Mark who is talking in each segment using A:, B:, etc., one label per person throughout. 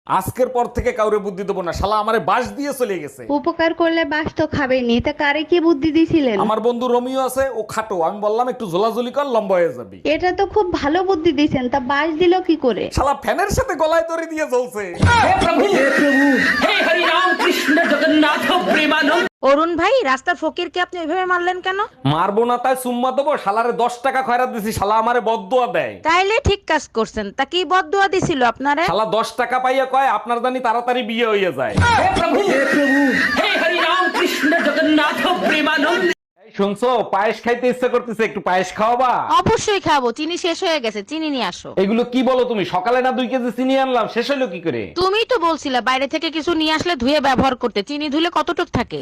A: আজকের পর থেকে কাউরে বুদ্ধি দেবো না, শালা আমারে বাস দিয়ে চলে গেছে।
B: উপকার করলে বাস তো খাবেনি, তা কারে কি বুদ্ধি দিছিলেন?
A: আমার বন্ধু রোমিও আছে, ও খাটো, আমি বললাম একটু ঝোলাঝুলি কর, লম্বা হয়ে যাবি।
B: এটা তো খুব ভালো বুদ্ধি দিছেন, তা বাস দিল কি করে?
A: শালা ফ্যানের সাথে গলায় দড়ি দিয়ে জ্বলছে।
C: অরুণ ভাই, রাস্তার ফকিরকে আপনি ওইভাবে মারলেন কেন?
A: মারবো না তাই সুম্মা দেবো? শালারে 10 টাকা খয়রাত দিছি, শালা আমারে বদদুয়া দেয়।
C: তাইলে ঠিক কাজ করছেন। তা কি বদদুয়া দিছিল আপনারে?
A: শালা 10 টাকা পাইয়া কয় আপনার জানি তাড়াতাড়ি বিয়ে হইয়া যায়। এই শুনছো, পায়েস খাইতে ইচ্ছা করতেছে, একটু পায়েস খাওয়াবা?
C: অবশ্যই খাবো, চিনি শেষ হয়ে গেছে, চিনি নিয়ে আসো।
A: এগুলো কি বলো তুমি? সকালে না 2 কেজি চিনি আনলাম, শেষ হলো কি করে?
C: তুমিই তো বলছিলে বাইরে থেকে কিছু নিয়ে আসলে ধুয়ে ব্যবহার করতে। চিনি ধুলে কতটুক থাকে?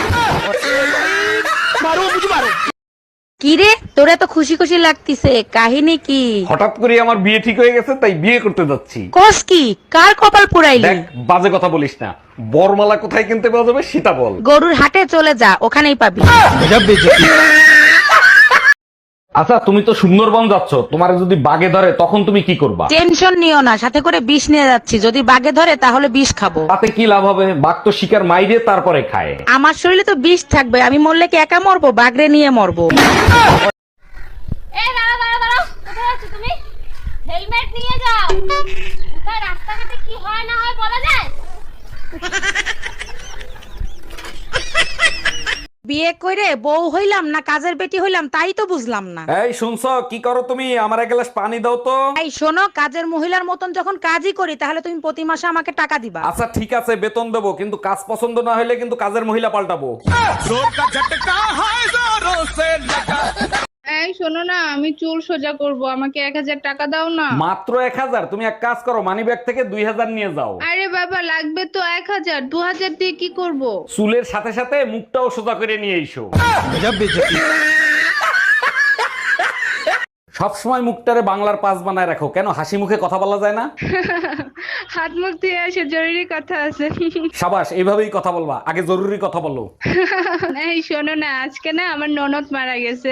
C: কি রে, তোরা তো খুশি খুশি লাগতিছে, কাহিনী কি?
A: হঠাৎ করে আমার বিয়ে ঠিক হয়ে গেছে, তাই বিয়ে করতে যাচ্ছি।
C: কোস কি, কার কপাল পুরাইলি?
A: দেখ, বাজে কথা বলিস না। বরমালা কোথায় কিনতে পাওয়া যাবে সেটা বল।
C: গরুর হাটে চলে যা, ওখানেই পাবি।
A: আচ্ছা, তুমি তো সুন্দরবন যাচ্ছ, তোমার যদি বাগে ধরে তখন তুমি কি করবা?
C: টেনশন নিও না, সাথে করে বিষ নিয়ে যাচ্ছি। যদি বাগে ধরে তাহলে বিষ খাবো।
A: তাতে কি লাভ হবে? বাঘ তো শিকার মাইরে তারপরে খায়।
C: আমার শরীরে তো বিষ থাকবে, আমি মরলে কি একা মরবো? বাগরে নিয়ে মরবো।
D: এই দাঁড়াও দাঁড়াও দাঁড়াও, কোথায় আছো তুমি? হেলমেট নিয়ে যাও। কোথায় রাস্তাঘাটে কি হয় না হয় বলা যায়?
C: বিয়ে করে বউ হইলাম না কাজের বেটি হইলাম তাই তো বুঝলাম না।
A: এই শুনছো, কি করো তুমি? আমার এক গ্লাস পানি দাও তো।
C: এই শোনো, কাজের মহিলার মতন যখন কাজই করি তাহলে তুমি প্রতি মাসে আমাকে টাকা দিবা।
A: আচ্ছা ঠিক আছে, বেতন দেবো, কিন্তু কাজ পছন্দ না হলে কিন্তু কাজের মহিলা পাল্টাবো।
E: এই শোনো না, আমি চুল সোজা করব, আমাকে 1000 টাকা দাও না।
A: মাত্র 1000? তুমি এক কাজ করো, মানি ব্যাগ থেকে 2000 নিয়ে যাও।
E: আরে বাবা, লাগবে তো 1000, 2000 দিয়ে কি করব?
A: চুলের সাথে সাথে মুখটাও সোজা করে নিয়ে এসো। সবসময় মুখটারে বাংলার পাস বানায় রাখো কেন? হাসি মুখে কথা বলা যায় না?
E: হাত মুখ ধুয়ে আসে, জরুরি কথা আছে।
A: সাবাস, এইভাবেই কথা বলবা, আগে জরুরি কথা বলো।
E: এই শোনো না, আজকে না আমার ননদ মারা গেছে।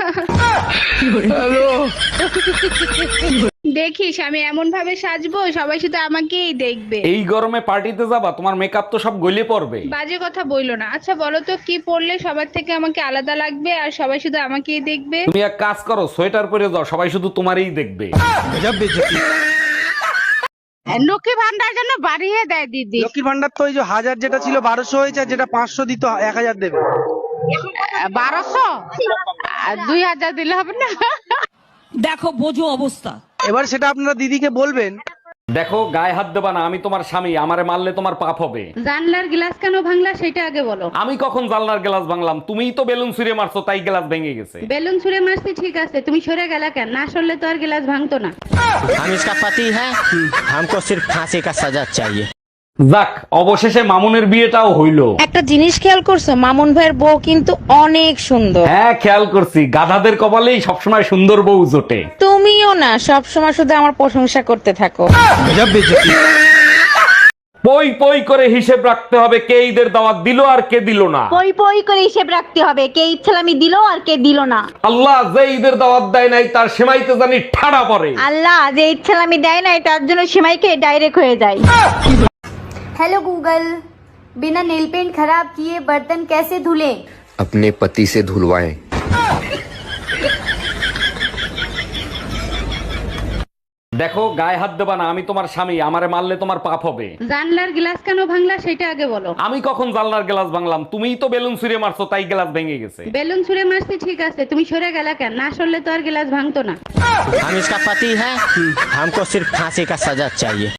E: দেখিস আমি এমন ভাবে সাজবো, সবাই শুধু আমাকেই দেখবে।
A: এই গরমে পার্টিতে যাবা? তোমার মেকআপ তো সব গলে পড়বে।
E: বাজে কথা বইলো না। আচ্ছা বলো তো, কি পরলে সবার থেকে আমাকে আলাদা লাগবে আর সবাই শুধু আমাকেই দেখবে?
A: তুমি এক কাজ করো, সোয়েটার পরে যাও, সবাই শুধু তোমারই দেখবে।
C: লক্ষ্মী ভান্ডার জন্য বাড়িয়ে দেয় দিদি।
F: লক্ষ্মীর ভান্ডার তো ওই যে 1000 যেটা ছিল 1200 হয়েছে, আর যেটা 500 দিত 1000 দেবে।
C: 1200 2000 দিলে হবে না?
G: দেখো বোঝো অবস্থা।
F: এবার সেটা আপনারা দিদিকে বলবেন।
A: দেখো, গায়ে হাত দেবা না, আমি তোমার স্বামী, আমারে মারলে তোমার পাপ হবে।
B: জানলার গ্লাস কেন ভাঙলা সেটা আগে বলো।
A: আমি কখন জানলার গ্লাস ভাঙলাম? তুমিই তো বেলুন ছুঁড়ে মারছো, তাই গ্লাস ভেঙে গেছে।
B: বেলুন ছুঁড়ে মারছি ঠিক আছে, তুমি সরে গেলা কেন? না সরলে তো আর গ্লাস ভাঙতো না।
H: हम इसका पति है, हमको सिर्फ फांसी का सजा चाहिए।
A: যাক, অবশেষে মামুনের বিয়েটাও হইলো।
C: একটা জিনিস খেয়াল করছো, মামুন ভাইয়ের বউ কিন্তু অনেক সুন্দর।
A: হ্যাঁ, খেয়াল করছি, গাধাদের কপালেই সবসময় সুন্দর বউ জোটে।
C: তুমিও না সব সময় শুধু আমার প্রশংসা করতে থাকো।
A: পই পই করে হিসেব রাখতে হবে, কে ঈদের দাওয়াত দিল আর কে দিল না।
D: পই পই করে হিসেব রাখতে হবে, কে ইচ্ছালামি দিল আর কে দিল না।
A: আল্লাহ যে ঈদের দাওয়াত দেয় নাই তার সেমাইতে জানি ঠাড়া পড়ে।
D: আল্লাহ যে ইচ্ছালামি দেয় না তার জন্য সেমাইকে ডাইরেক্ট হয়ে যায়। हेलो गूगल, बिना नेल पेंट खराब किए बर्तन कैसे धुलें?
I: अपने पति से धुलवाएं।
A: দেখো, গায়ে হাত দেবা না, আমি তোমার স্বামী, আমারে মারলে তোমার পাপ হবে।
B: জানলার গ্লাস কেন ভাঙলা সেটা আগে বলো।
A: আমি কখন জানলার গ্লাস ভাঙলাম? তুমিই তো বেলুন ছুঁড়ে মারছো, তাই গ্লাস ভেঙে গেছে।
B: বেলুন ছুঁড়ে মারছি ঠিক আছে, তুমি সরে গেলা কেন? না সরলে তো আর গ্লাস ভাঙতো না।
H: हम इसका पति है, हमको सिर्फ फांसी का सजा चाहिए।